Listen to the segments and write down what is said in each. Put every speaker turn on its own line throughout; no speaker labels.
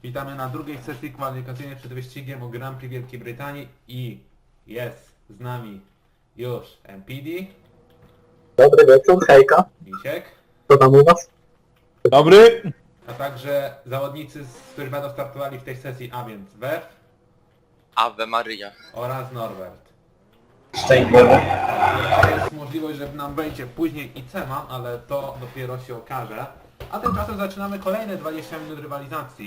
Witamy na drugiej sesji kwalifikacyjnej przed wyścigiem o Grand Prix Wielkiej Brytanii i jest z nami już MPD,
Dobry wieczór, hejka.
Misiek,
Co tam u was?
Dobry.
a także zawodnicy, którzy będą startowali w tej sesji, a więc Werf
Ave Maria.
oraz Norbert.
Szczęść Boże.
Jest możliwość, że nam wejdzie później i Ceman, ale to dopiero się okaże. A tymczasem zaczynamy kolejne 20 minut rywalizacji.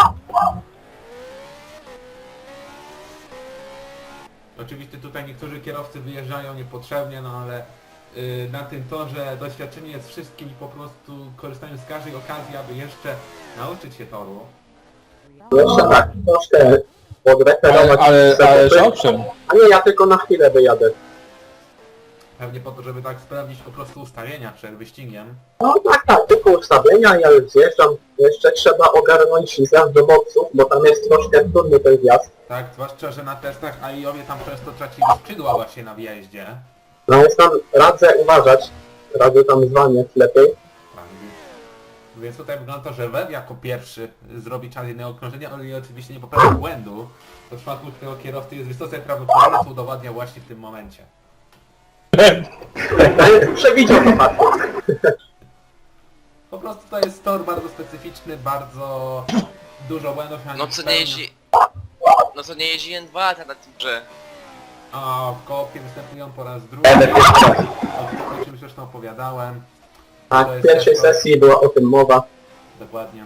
Oczywiście tutaj niektórzy kierowcy wyjeżdżają niepotrzebnie, no ale na tym torze doświadczenie jest wszystkim i po prostu korzystają z każdej okazji, aby jeszcze nauczyć się toru.
Jeszcze tak, troszkę podreferować.
Ale owszem.
A nie, ja tylko na chwilę wyjadę.
Pewnie po to, żeby tak sprawdzić po prostu ustawienia przed wyścigiem.
No tak, tylko ustawienia, ja już zjeżdżam. Jeszcze trzeba ogarnąć zjazd do boksów, bo tam jest troszkę trudny ten wjazd.
Tak, zwłaszcza, że na testach AI-owie tam często tracili skrzydła właśnie na wjeździe.
No więc tam radzę uważać. Radzę tam zwalniać lepiej.
Tak, więc tutaj wygląda to, że Web jako pierwszy zrobi czas jednego okrążenia, ale oczywiście nie poprawi błędu. To w przypadku tego kierowcy jest wysoce prawdopodobne, co udowadnia właśnie w tym momencie.
Przewidział to fakt.
Po prostu to jest tor bardzo specyficzny, bardzo dużo błędów.
No co nie jeździ... No co nie jeździ N2 lata na tym grze.
A w koopie występują po raz drugi. O czym zresztą opowiadałem.
Tak,
To
w
jest
pierwszej
też to-
sesji była o tym mowa.
Dokładnie.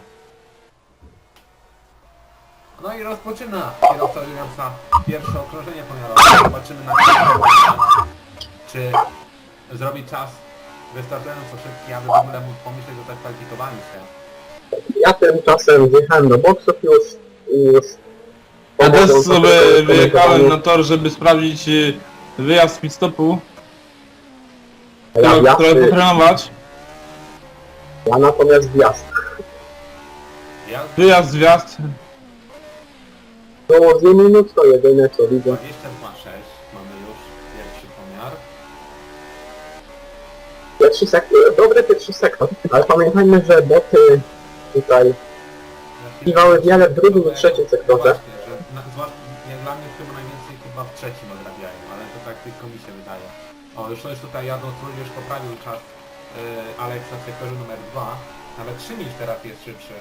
No i rozpoczyna kierowca Williamsa pierwsze okrążenie pomiarowe. Zobaczymy na czy zrobi czas wystarczająco szybki, aby w ogóle mógł pomyśleć o zakwalifikowaniu się.
Ja tymczasem wjechałem do boksów już.
Ja też sobie wyjechałem na tor, żeby sprawdzić wyjazd z pit stopu. Trochę potrenować.
Ja natomiast wjazd.
Ja
Wyjazd, zjazd.
Było 2 minut, to jedyne co widzę.
22,6 mamy już pierwszy pomiar.
Pierwszy sektor, dobry pierwszy sektor, ale pamiętajmy, że boty tutaj Piwały wiele w drugim i trzecim sektorze.
No właśnie, że zwłaszcza jak dla mnie chyba najwięcej chyba w trzecim odrabiają, ale to tak tylko mi się wydaje. O, już tutaj jadą, już poprawił czas Alexa w sektorze numer 2. Nawet 3 mil teraz jest szybszy.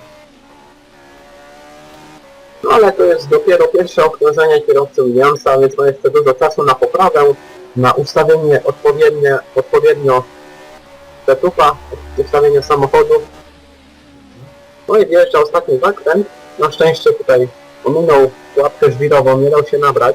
No ale to jest dopiero pierwsze okrążenie kierowcy Williamsa, więc ma jeszcze dużo czasu na poprawę, na ustawienie odpowiednio setupa, ustawienie samochodu. No i wjeżdża ostatni zakręt. Na szczęście tutaj ominął pułapkę żwirową, nie dał się nabrać.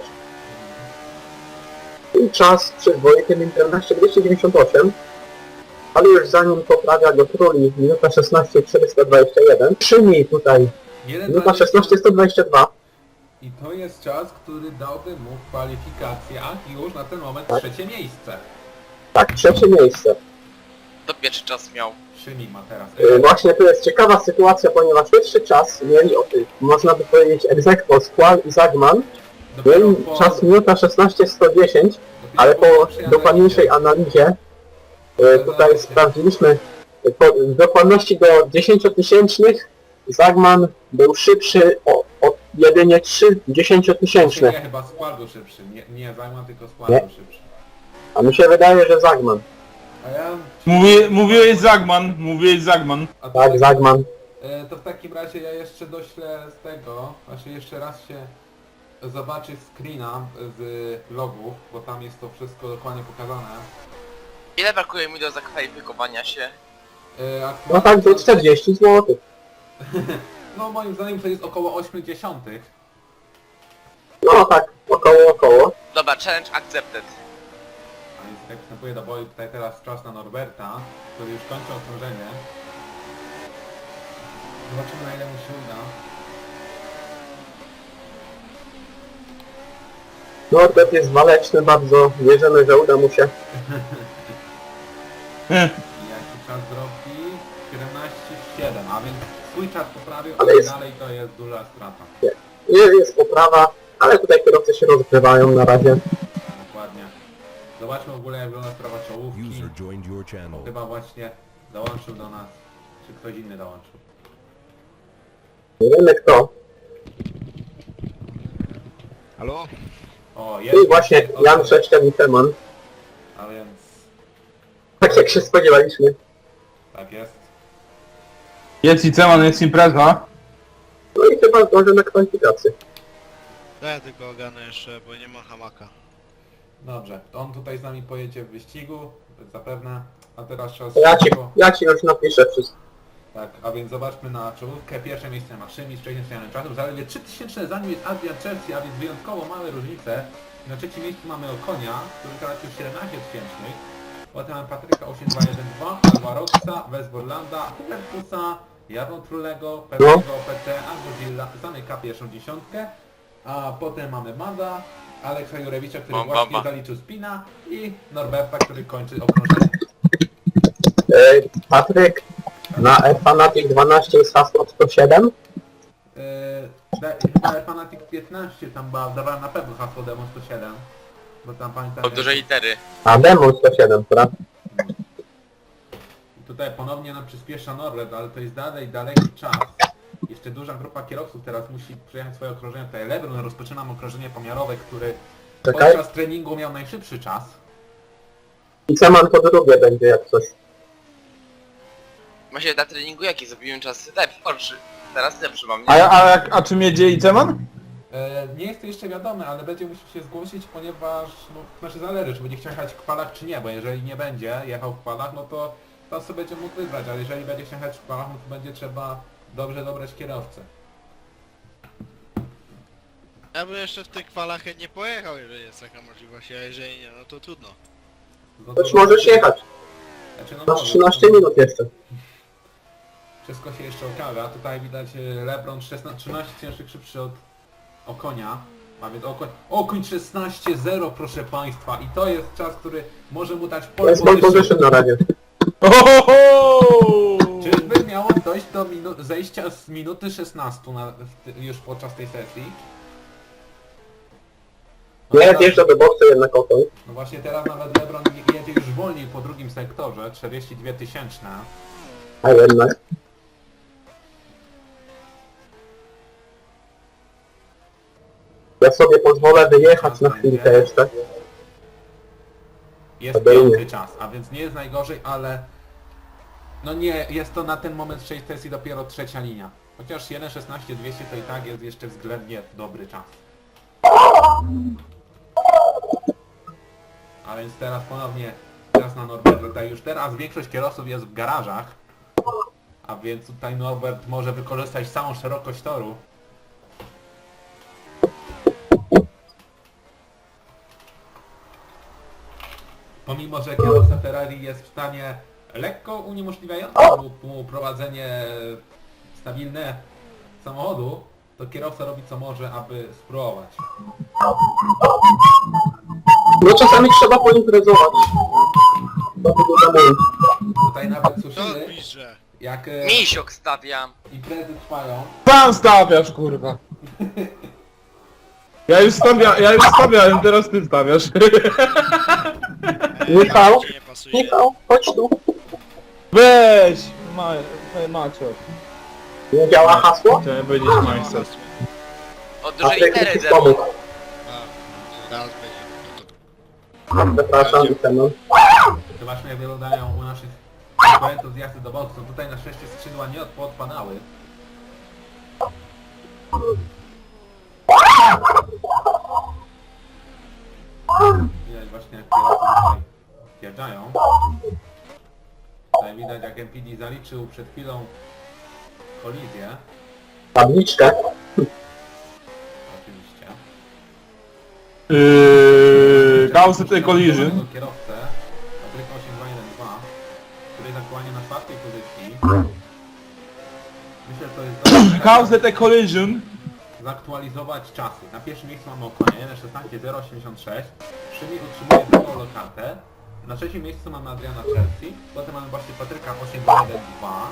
I czas przyzwoity 1:14:298. Ale już zanim poprawia go Trulli, minuta 16:421. 3 mil tutaj, minuta 16:122.
I to jest czas, który dałby mu w kwalifikacjach już na ten moment
Tak.
trzecie miejsce.
Tak, trzecie miejsce.
To pierwszy czas miał.
3 mil ma teraz.
Właśnie tu jest ciekawa sytuacja, ponieważ pierwszy czas mieli, można by powiedzieć, ex aequo Squall i Zagman. Mieli czas minuta 16:110, ale po dokładniejszej analizie tutaj sprawdziliśmy w dokładności do 10-tysięcznych Zagman był szybszy o jedynie 3 10-tysięczne.
Nie, chyba Squall był szybszy. Nie Zagman, tylko Squall
Nie.
był szybszy.
A mi się wydaje, że Zagman.
A ja...
Mówiłeś Zagman.
A to
Tak, Zagman.
To w takim razie ja jeszcze doślę z tego, znaczy jeszcze raz się zobaczy screena z logów, bo tam jest to wszystko dokładnie pokazane.
Ile brakuje mi do zakwalifikowania się?
No tak, do 40 zł.
No moim zdaniem to jest około 80.
No tak, około.
Dobra, challenge accepted.
A więc jak wstępuje do boju tutaj teraz czas na Norberta, który już kończy okrążenie. Zobaczymy na ile mu się uda.
Norbert jest waleczny bardzo, wierzymy, że uda mu się.
I jaki czas zrobi? 17,7, a więc swój czas poprawił,
Ale
ale
jest-
dalej to jest duża strata.
Jest poprawa, ale tutaj kierowcy się rozgrywają na razie.
Dokładnie. Zobaczmy w ogóle jak wygląda sprawa czołówki.
User joined your channel.
Chyba właśnie dołączył do nas. Czy ktoś inny dołączył?
Nie wiemy kto.
Halo?
O,
I właśnie Jan Sześcian i Teman.
A więc...
Tak jak się spodziewaliśmy.
Tak jest.
Jest i Ceman, jest impreza.
No i chyba zdążę na kwalifikacje.
Ja tylko ogarnę jeszcze, bo nie ma hamaka.
Dobrze, to on tutaj z nami pojedzie w wyścigu, zapewne. A teraz czas...
Ja ci już napiszę wszystko.
Tak, a więc zobaczmy na czołówkę. Pierwsze miejsce ma Szymi z wcześniej wspomnianym czasem. Zaledwie 3000 za nim jest Adrian Chelsea, a więc wyjątkowo małe różnice. Na trzecim miejscu mamy Okonia, który tracił 17 tysięcznych. Potem mamy Patryka 8212, Alvaroxa, Westborlanda, Hubertusa, Jarno Trulego, Pewnego PT, Angozilla, zamyka pierwszą dziesiątkę. A potem mamy Mada, Aleksa Jurewicza, który właśnie zaliczył spina i Norberta, który kończy okrążenie.
Patryk, na Fanatic 12 jest hasło 107.
Chyba Fanatic 15 tam dawałem na pewno hasło Demon 107. Bo tam pamiętam...
Od dużej litery.
A Demon 107, prawda?
Tutaj ponownie nam przyspiesza Norbert, ale to jest daleki czas. Jeszcze duża grupa kierowców teraz musi przejechać swoje okrążenie. Tutaj Lebron rozpoczynam okrążenie pomiarowe, który
Czekaj.
podczas treningu miał najszybszy czas.
I Ceman po drugie będzie jak coś.
Właśnie na treningu jaki zrobiłem czas lepszy. Teraz lepszy mam, nie?
A czym jedzie i Ceman?
Nie jest to jeszcze wiadome, ale będzie musiał się zgłosić, ponieważ, no, znaczy zależy, czy będzie chciał jechać w kwalach, czy nie, bo jeżeli nie będzie jechał w kwalach, no to tam sobie będzie mógł wybrać, ale jeżeli będzie chciał jechać w kwalach, no to będzie trzeba dobrze dobrać kierowcę.
Ja bym jeszcze w tych kwalach nie pojechał, jeżeli jest taka możliwość, a jeżeli nie, no to trudno.
No
Choć możesz jechać.
Znaczy, no
Masz
może,
13 minut jeszcze.
Wszystko się jeszcze okaże. Tutaj widać Lebron 13 cięższych szybszy od Okonia. A więc Okoń 16-0, proszę Państwa. I to jest czas, który może mu dać
To
pole
jest pole position na razie.
Ohoho!
Czyżby miało dojść do zejścia z minuty 16 już podczas tej sesji? No
Nie
teraz-
wjeżdża do boksu jednak Okoń.
No właśnie teraz nawet Lebron jedzie już wolniej po drugim sektorze, 42 tysięczne.
A jednak. Ja sobie pozwolę wyjechać na chwilkę jeszcze.
Jest
Obejmie.
piąty czas, a więc nie jest najgorzej, ale... No nie, jest to na ten moment w 6 sesji dopiero trzecia linia. Chociaż 1.16.200 to i tak jest jeszcze względnie dobry czas. A więc teraz ponownie czas na Norberta. Tutaj już teraz większość kierowców jest w garażach. A więc tutaj Norbert może wykorzystać całą szerokość toru. Pomimo, że kierowca Ferrari jest w stanie lekko uniemożliwiającym mu prowadzenie stabilne samochodu, to kierowca robi co może, aby spróbować.
No czasami trzeba poimprezować. To wygląda mój.
Tutaj nawet
To
słyszymy,
pisze.
jak
Misiok stawiam.
imprezy trwają.
Sam stawiasz, kurwa. Ja już stawiałem, teraz ty stawiasz.
Michał?
Ci nie pasuje.
Michał, chodź tu.
Weź! Macio.
Nie działa hasło?
Chciałem powiedzieć majster.
Od dużej
Patryk
litery
musi
Demon.
pomóc.
A, raz będzie. No to
Przepraszam, Teman.
Zobaczmy, jak wyglądają u naszych konkurentów z jazdy do boksu. Tutaj na szczęście skrzydła nie odpadały. Widać właśnie, jak kierowcy tutaj wjeżdżają. Tutaj widać, jak MPD zaliczył przed chwilą kolizję.
Tabliczkę.
Oczywiście.
Cause the collision.
Kierowcę, Patryka 8212, który jest aktualnie na czwartej pozycji. Myślę, że to jest dobry
Cause the collision.
zaktualizować czasy. Na pierwszym miejscu mamy Okonia 1.16.086. Szymi utrzymuje drugą lokatę. Na trzecim miejscu mamy Adriana Chelsea. Potem mamy właśnie Patryka 8.1.2.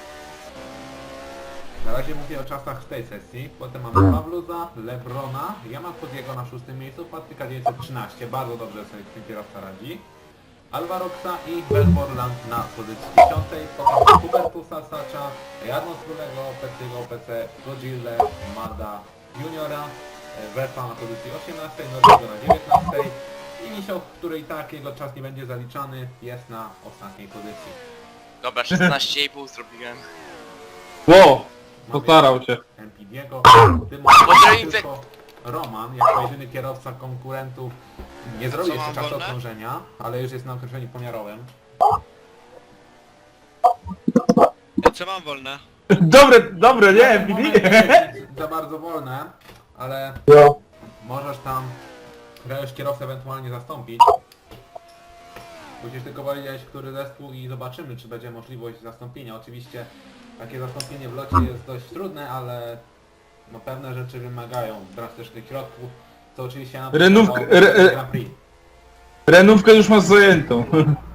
Na razie mówię o czasach z tej sesji. Potem mamy Pawluza, Lebrona, Yamakudiego na szóstym miejscu, Patryka 913. Bardzo dobrze sobie ten kierowca radzi. Alvaroxa i Belmorland na pozycji 10. Potem Hubertusa, Sacza, Jarno Strulego, Petygo, PC, Godzilla, Mada, Juniora Wefa na pozycji 18, Norwego na 19 i Misio, który i tak jego czas nie będzie zaliczany, jest na ostatniej pozycji.
Dobra, 16,5 zrobiłem.
Ło! Postarał się.
MPD'ego. W tym momencie
Pozdrowień,
tylko Roman, jako jedyny kierowca konkurentów, nie zrobił
Co,
jeszcze
mam
czasu
wolne?
okrążenia, ale już jest na okrążeniu pomiarowym.
Co mam wolne?
Dobre, nie,
Moment
Bibi?
nie jest za bardzo wolne, ale
No,
możesz tam już kierowcę ewentualnie zastąpić. Musisz tylko powiedzieć, który zespół i zobaczymy, czy będzie możliwość zastąpienia. Oczywiście takie zastąpienie w locie jest dość trudne, ale no, pewne rzeczy wymagają drastycznych środków, co oczywiście na Grand Prix.
Renówkę już masz zajętą.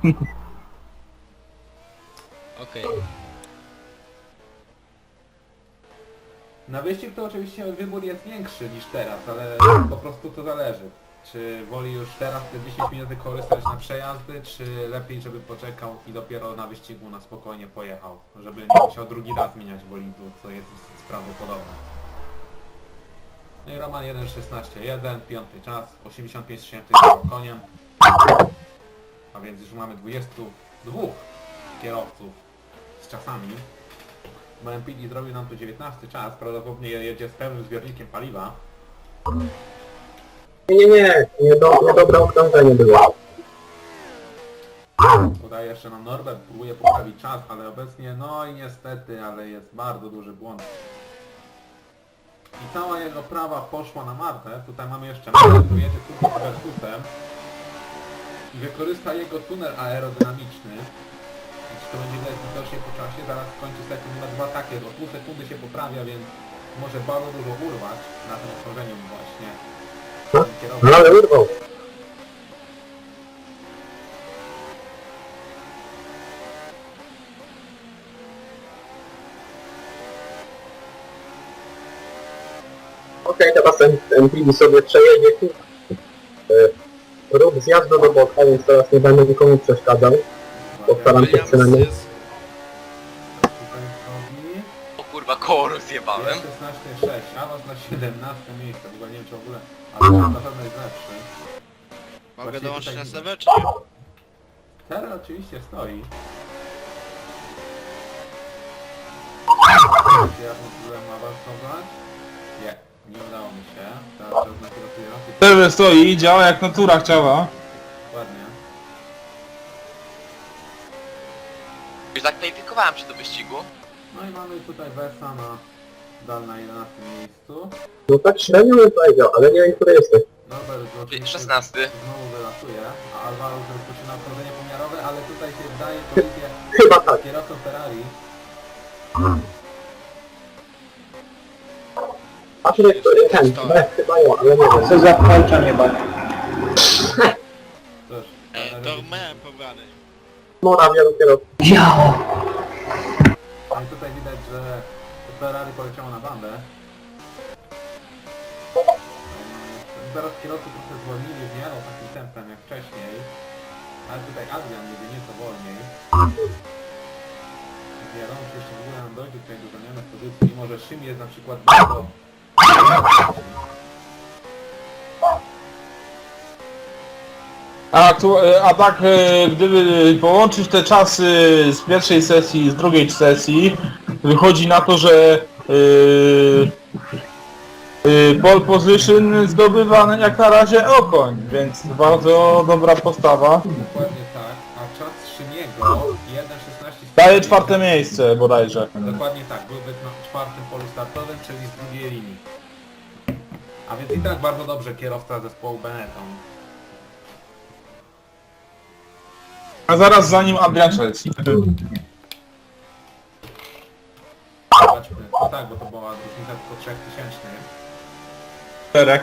Okej.
Na wyścig to oczywiście wybór jest większy niż teraz, ale po prostu to zależy. Czy woli już teraz te 10 minut korzystać na przejazdy, czy lepiej, żeby poczekał i dopiero na wyścigu na spokojnie pojechał, żeby nie musiał drugi raz zmieniać bolidu, co jest prawdopodobne. No i Roman 1.16.1, piąty czas, 85 tysięcy koniem. A więc już mamy 22 kierowców z czasami. Bo MPD zrobił nam tu 19 czas, prawdopodobnie jedzie z pełnym zbiornikiem paliwa.
niedobre okrążenie było.
Tutaj jeszcze nam Norbert próbuje poprawić czas, ale obecnie, no i niestety, ale jest bardzo duży błąd. I cała jego prawa poszła na Martę. Tutaj mamy jeszcze Martę, który jedzie tu z Versusem i wykorzysta jego tunel aerodynamiczny. Więc to będzie widać widocznie po czasie, zaraz kończy sekund numer 2, takie, o pół sekundy się poprawia, więc może bardzo dużo urwać na tym okrążeniu właśnie.
No ale urwał. Okej, teraz MPD sobie przejedzie tu. Rób zjazdu do boka, więc teraz nie będę nikomu przeszkadzał. Postaram się
Williams
przynajmniej.
jest...
Tutaj wchodzi.
O kurwa, koło rozjebałem.
Jest 16.6, awans na 17 miejsce, w ogóle nie wiem czy w ogóle, ale na pewno jest lepszy.
Mogę
Właściwie
dołączyć
tutaj
na
nie.
serwer, czy nie?
Terra oczywiście stoi. Czy ja próbowałem awansować? Nie udało mi się. Teraz czas na kierowcę.
Serwer stoi, działa jak natura chciała.
Ładnie.
Już zakwalifikowałem się do wyścigu.
No i mamy tutaj Versa na 11 miejscu.
No tak średnio bym powiedział, ale nie wiem, który jesteś.
Norbert oczywiście
16.
znowu wylatuje, a Alvaro rozpoczyna okrążenie pomiarowe, ale tutaj się wdaje kolizję
Chyba tak.
z kierowcą Ferrari.
A tu jest ten, chyba ją, ale nie wiem. Co za włączanie bak.
Cóż,
To miałem pobrany.
Mora wielu kierowców.
ale tutaj widać, że Ferrari poleciało na bandę. Zaraz kierowcy trochę zwolnili w miarę takim tempem jak wcześniej. Ale tutaj Adrian jedzie nieco wolniej. Wiadomo, czy jeszcze w ogóle nam dojdzie tutaj do zamiany pozycji, mimo że Szym jest na przykład bardzo...
A tak, gdyby połączyć te czasy z pierwszej sesji i z drugiej sesji, wychodzi na to, że pole position zdobywa jak na razie Okoń, więc bardzo dobra postawa.
Dokładnie tak, a czas Szymiego 1.16...
Daje czwarte miejsce bodajże.
Dokładnie tak, byłby na czwartym polu startowym, czyli z drugiej linii. A więc i tak bardzo dobrze kierowca zespołu Benetton.
A zaraz za nim Adrian Chelsea.
Zobaczmy, no tak, bo to była różnica tylko 3000.
Czterech.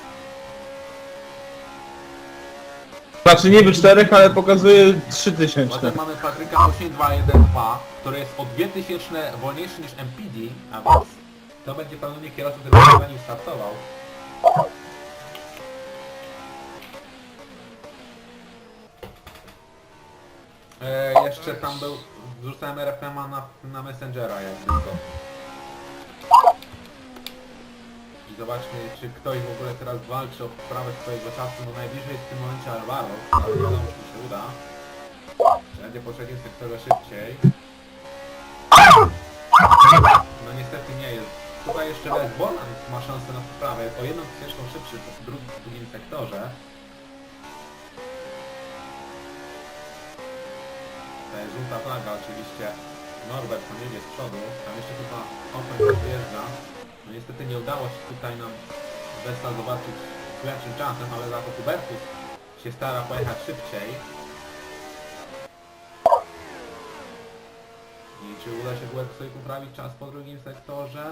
Znaczy niby czterech, ale pokazuje 3000.
Potem mamy Patryka 8212, który jest o 2000 wolniejszy niż MPD, a więc to będzie pewnie kierowca, który będzie za nim startował. Jeszcze tam był, wrzucałem RFM-a na Messengera jak tylko. I zobaczmy, czy ktoś w ogóle teraz walczy o poprawę swojego czasu. No najbliżej jest w tym momencie Alvaro, ale wiadomo, że się uda. Będzie po trzecim sektorze szybciej. No niestety nie jest. Tutaj jeszcze Les Bolan ma szansę na poprawę. Jest o 1 ścieżką szybszy w drugim sektorze. To jest żółta flaga oczywiście. Norbert tam jedzie z przodu. Tam jeszcze chyba Open podjeżdża. No niestety nie udało się tutaj nam Westa zobaczyć z lepszym czasem, ale za to Hubertus się stara pojechać szybciej. I czy uda się Hubertusowi poprawić czas po drugim sektorze?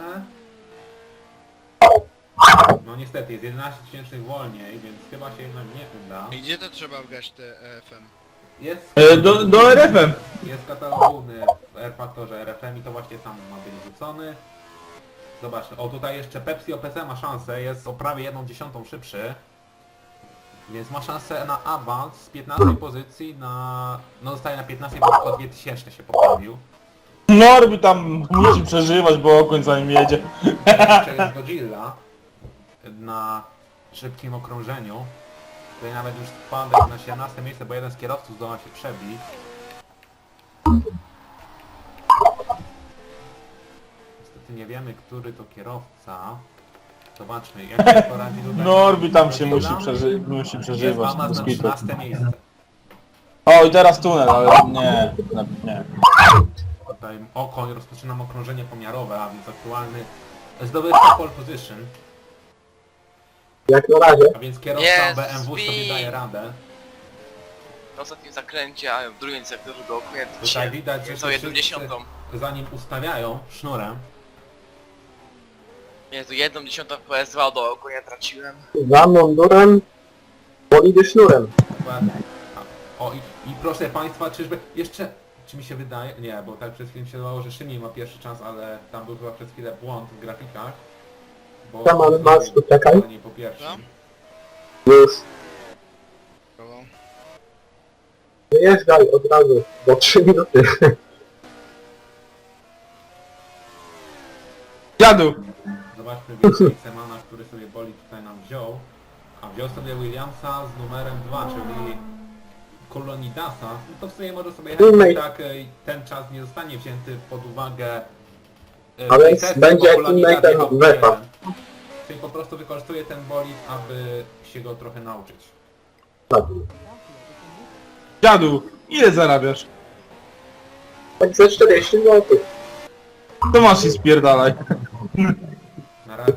No niestety, jest 11 tysięcznych wolniej, więc chyba się jednak nie uda.
I gdzie to trzeba wgrać te EFM?
Jest,
Do RFM.
jest katalog główny w R-Faktorze RFM i to właśnie tam ma być wrzucony. Zobaczmy, o tutaj jeszcze Pepsi OPC ma szansę, jest o prawie 1/10 szybszy. Więc ma szansę na awans z 15 pozycji na... No zostaje na 15, bo o 2000 się poprawił.
Norby tam musi przeżywać, bo Okoń za nim jedzie.
Jeszcze jest Godzilla na szybkim okrążeniu. Tutaj nawet już spadek na 17 miejsce, bo jeden z kierowców zdoła się przebić. Niestety nie wiemy, który to kierowca. Zobaczmy, jak się poradzi tutaj.
Norby tam się
Godzilla.
musi
Jest
przeżywać.
awans
bez
na
kitu.
13 miejsce.
O i teraz tunel, ale nie.
Tutaj Okoń rozpoczynam okrążenie pomiarowe, a więc aktualny zdobywca pole position.
Jak na razie.
A więc kierowca
Jezus,
BMW sobie
Win!
daje radę.
Na ostatnim zakręcie, a w drugim sektorze do Okunia
Tutaj widać, że
co
się
1/10.
wszyscy zanim ustawiają sznurem.
Jezu, 1/10 PS2 do Okunia traciłem.
Za mundurem, bolidy sznurem.
Dokładnie. O i proszę Państwa, czyżby jeszcze... Czy mi się wydaje? Nie, bo tak przez chwilę się wydawało, że Szymiej ma pierwszy czas, ale tam był chyba przez chwilę błąd w grafikach. Bo
Tam, ale Max, czekaj.
nie po pierwszym.
Już.
Koło.
Wyjeżdżaj od razu, bo 3 minuty.
Dziadu!
Zobaczmy więcej Semana, który sobie boli tutaj nam wziął. A wziął sobie Williamsa z numerem 2, czyli Kolonidasa. No to w sumie może sobie jechać,
Teammate.
tak ten czas nie zostanie wzięty pod uwagę.
A
w tej
więc
sesji,
będzie
bo Kolonida
teammate'em
wjechał w
Wefa.
jeden. Czyli po prostu wykorzystuje ten bolid, aby się go trochę nauczyć.
Dziadu! Ile zarabiasz?
Tak ze 40 zł.
To masz i spierdalaj.
Na razie...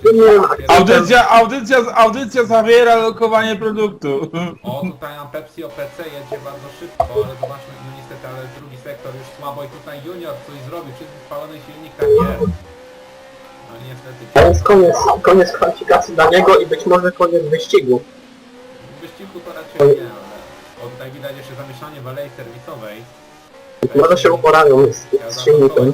Audycja zawiera lokowanie produktu.
O, tutaj nam Pepsi OPC jedzie bardzo szybko, ale zobaczmy, no niestety, ale drugi sektor już słabo i tutaj Junior coś zrobi, wszystko spalony silnik, tak jest. No niestety...
A więc koniec kwalifikacji dla niego i być może koniec wyścigu.
W wyścigu to raczej nie, ale... O, tutaj widać jeszcze zamieszanie w alei serwisowej.
Może się uporają z silnikiem.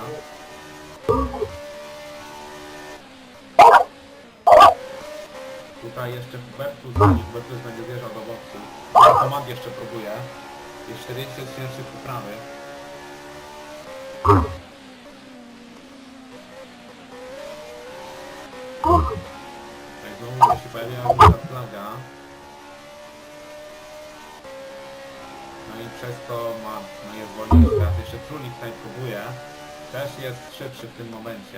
Tutaj jeszcze Hubertus będzie wjeżdżał do boksu. Komand jeszcze próbuje. Jest 40 tysięcy poprawy. Tutaj znowu się pojawia żółta flaga. No i przez to jest wolniejszy. Teraz jeszcze Trulli tutaj próbuje. Też jest szybszy w tym momencie.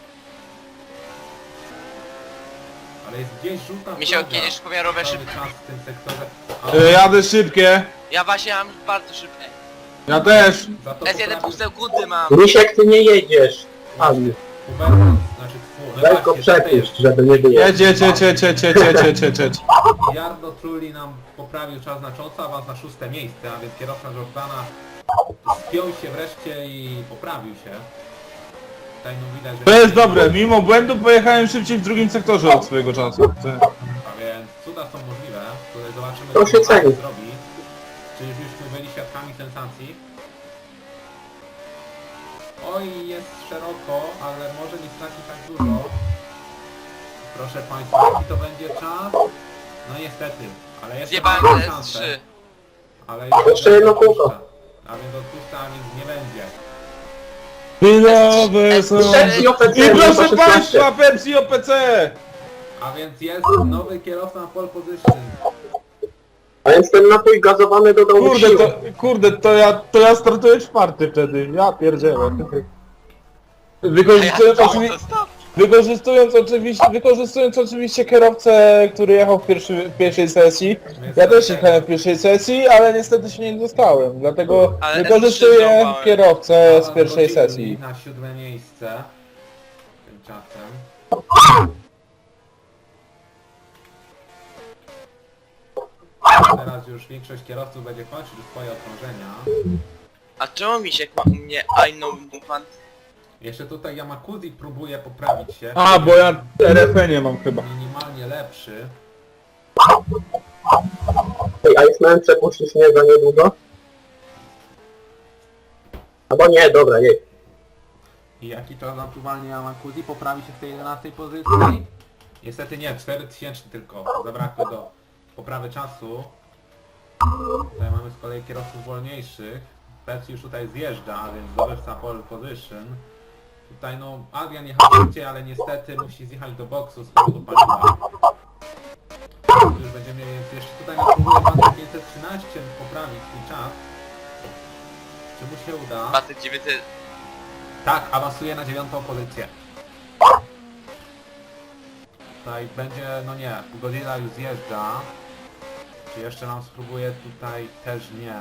Ale jest gdzieś żółta
Mi się
flaga.
kiedyś pomiarowe
Cały
szybko.
czas w tym sektorze.
Jadę szybkie.
Ja właśnie mam bardzo szybkie.
Ja też.
Za to
S1 pół sekundy mam.
Misiek, ty nie jedziesz. Ani.
Hubertus, znaczy
Weź go przepuść, żeby nie było.
Jedź.
Jardo Trulli nam poprawił czas znacząco, awans na 6 miejsce, a więc kierowca Jordana spiął się wreszcie i poprawił się. Tutaj no widać, że...
To jest dobre, mimo błędu pojechałem szybciej w drugim sektorze od swojego czasu.
A więc cuda są możliwe, tutaj zobaczymy
To się
co
ceni.
zrobi. Czy już byli świadkami sensacji? Oj, jest szeroko, ale może nie straci tak dużo. Proszę Państwa, jaki to będzie czas? No niestety, ale jeszcze
Zjebałem
ma
S3.
szansę. Ale
Jeszcze jedno kółko.
A więc odpuszcza, a więc nie będzie.
Chwilowe są.
Pepsi OPC,
I proszę
numer 16.
Państwa, Pepsi OPC!
A więc jest nowy kierowca na pole position.
A więc ten napój gazowany dodał mu
Kurde,
siły.
to ja startuję czwarty wtedy. Ja pierdzielę. Wykorzystując oczywiście kierowcę, który jechał w pierwszej sesji. Ja też jechałem w pierwszej sesji, ale niestety się nie dostałem. Dlatego
Ale
wykorzystuję
złapałem.
kierowcę z
Alan
pierwszej
Godzilla
sesji.
na 7. miejsce. Tymczasem. Teraz już większość kierowców będzie kończyć swoje okrążenia.
A czemu mi się u mnie I know pan?
Jeszcze tutaj Yamakuzi próbuje poprawić się.
A, bo ja RFN nie mam chyba.
Minimalnie lepszy.
Ej, a Iceman przepuścisz mnie za niedługo? Albo nie, dobra, jej.
I jaki czas aktualnie Yamakuzi poprawi się w tej 11 pozycji? Niestety nie, 4000 tylko zabrakło do poprawy czasu. Tutaj mamy z kolei kierowców wolniejszych. Pec już tutaj zjeżdża, więc zdobywca pole position. Tutaj no Adrian jechał szybciej, ale niestety musi zjechać do boksu z powodu paliwa. Już będziemy mieli, więc jeszcze tutaj no, próbuje pan 513 poprawić swój czas. Czy mu się uda?
Paty 900.
Tak, awansuje na 9. pozycję. Tutaj będzie, no nie, Godzilla już zjeżdża. Czy jeszcze nam spróbuje tutaj też nie.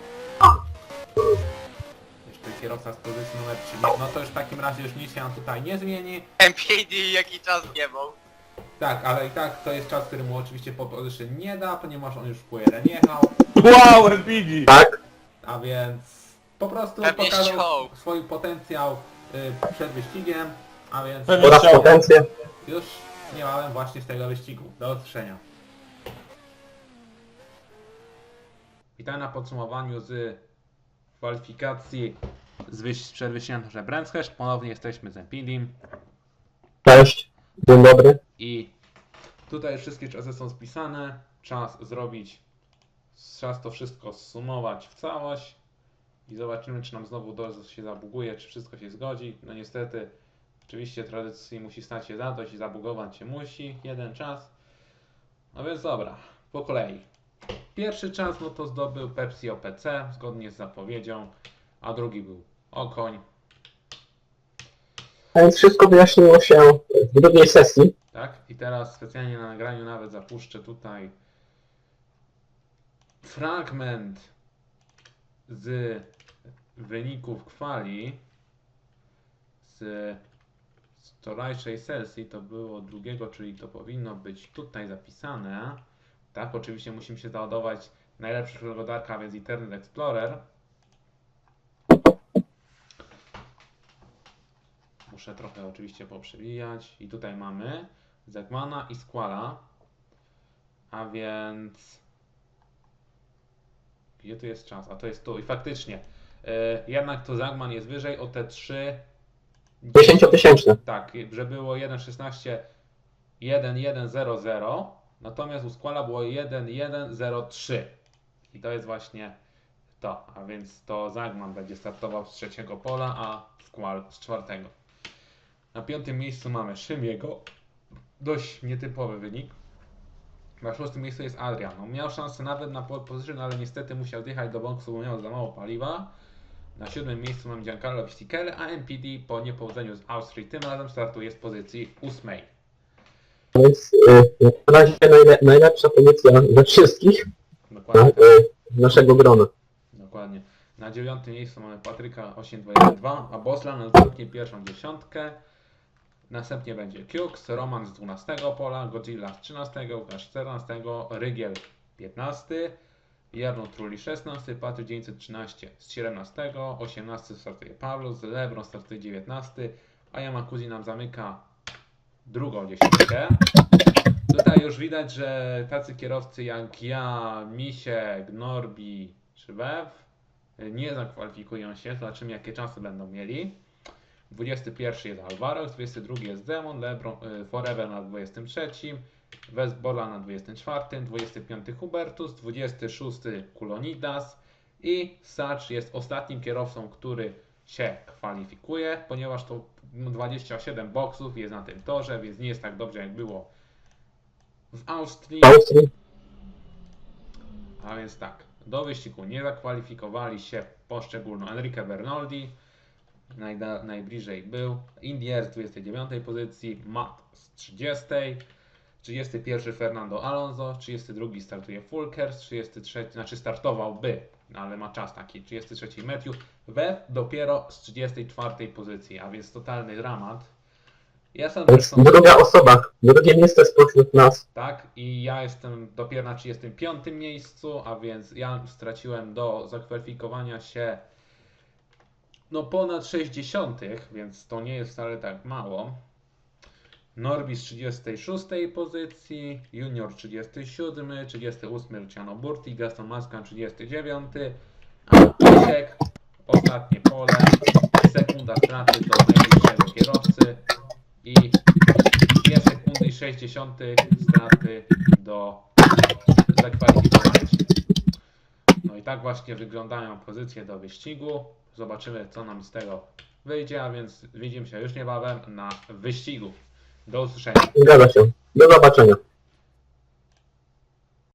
Jeszcze kierowca z pozycji numer 3. No to już w takim razie już nic się nam tutaj nie zmieni.
MPD jaki czas jebał.
Tak, ale i tak to jest czas, który mu oczywiście po position nie da, ponieważ on już w Q1 jechał.
Wow, MPD!
Tak?
A więc po prostu
Pewnie
pokazał
chciał.
swój potencjał przed wyścigiem. A więc
Pewnie
Oraz
chciał.
potencję.
już niebawem właśnie z tego wyścigu. Do usłyszenia. Witam na podsumowaniu z kwalifikacji przed wyścigiem na Brands. Ponownie jesteśmy z Empidim
Cześć. Dzień dobry.
i tutaj wszystkie czasy są spisane. Czas zrobić, czas to wszystko zsumować w całość i zobaczymy, czy nam znowu się zabuguje, czy wszystko się zgodzi. No niestety, oczywiście tradycji musi stać się zadość i zabugować się musi jeden czas. No więc dobra, po kolei. Pierwszy czas no to zdobył Pepsi OPC zgodnie z zapowiedzią, a drugi był Okoń.
A więc wszystko wyjaśniło się w drugiej sesji.
Tak? I teraz specjalnie na nagraniu nawet zapuszczę tutaj fragment z wyników kwali z wczorajszej sesji. To było drugiego, czyli to powinno być tutaj zapisane. Tak, oczywiście musimy się załadować najlepszy przeglądarka, a więc Internet Explorer. Muszę trochę oczywiście poprzewijać. I tutaj mamy Zegmana i Squala. A więc... Gdzie tu jest czas? A to jest tu. I faktycznie. Jednak to Zagman jest wyżej o te 3...
10-tysięczne.
Tak, że było 1.16 1.1.00. Natomiast u Squala było 1.1.03. I to jest właśnie to. A więc to Zagman będzie startował z 3. pola, a Squall z 4. Na 5. miejscu mamy Szymiego. Dość nietypowy wynik. Na 6. miejscu jest Adrian. On miał szansę nawet na pole position, ale niestety musiał zjechać do boksu, bo miał za mało paliwa. Na 7. miejscu mamy Giancarlo Visticelle, a MPD po niepowodzeniu z Austrii tym razem startuje z pozycji 8.
A więc na razie najlepsza pozycja ze wszystkich
Dokładnie.
naszego grona.
Dokładnie. Na 9. miejscu mamy Patryka 8212, a Boslan zamknie pierwszą dziesiątkę. Następnie będzie Kux, Roman z 12 pola, Godzilla z 13, Łukasz z 14, Rygiel 15, Jarno Trulli 16, Patryk 913 z 17, 18 startuje Paulus, Lebron startuje 19, a Yamakuzi nam zamyka drugą dziesiątkę. Tutaj już widać, że tacy kierowcy jak ja, Misiek, Norbi czy Bev nie zakwalifikują się, zobaczymy jakie czasy będą mieli. 21 jest Alvaro, 22 jest Demon, Lebron, Forever na 23, Westbola na 24, 25 Hubertus, 26 Kulonidas i Sacz jest ostatnim kierowcą, który się kwalifikuje, ponieważ to 27 boksów jest na tym torze, więc nie jest tak dobrze jak było w Austrii.
W Austrii.
A więc tak, do wyścigu nie zakwalifikowali się poszczególno Enrique Bernoldi, najbliżej był, Indier z 29 pozycji, Matt z 30, 31 Fernando Alonso, 32 startuje Fulkers, 33, znaczy startowałby, ale ma czas taki, 33 Matthew, Webb dopiero z 34 pozycji, a więc totalny dramat. Ja sam
Więc
zresztą,
druga osoba, drugie miejsce spośród nas.
tak, i ja jestem dopiero na 35 miejscu, a więc ja straciłem do zakwalifikowania się no ponad 60, więc to nie jest wcale tak mało. Norbi z 36 pozycji, Junior 37, 38 Luciano Burti, Gaston Mascan 39, a Krzysiek ostatnie pole, sekunda straty do najbliższego kierowcy i 2 sekundy i 60 straty do zakwalifikowania się. No i tak właśnie wyglądają pozycje do wyścigu. Zobaczymy, co nam z tego wyjdzie, a więc widzimy się już niebawem na wyścigu. Do usłyszenia.
Zgadza się. Do zobaczenia.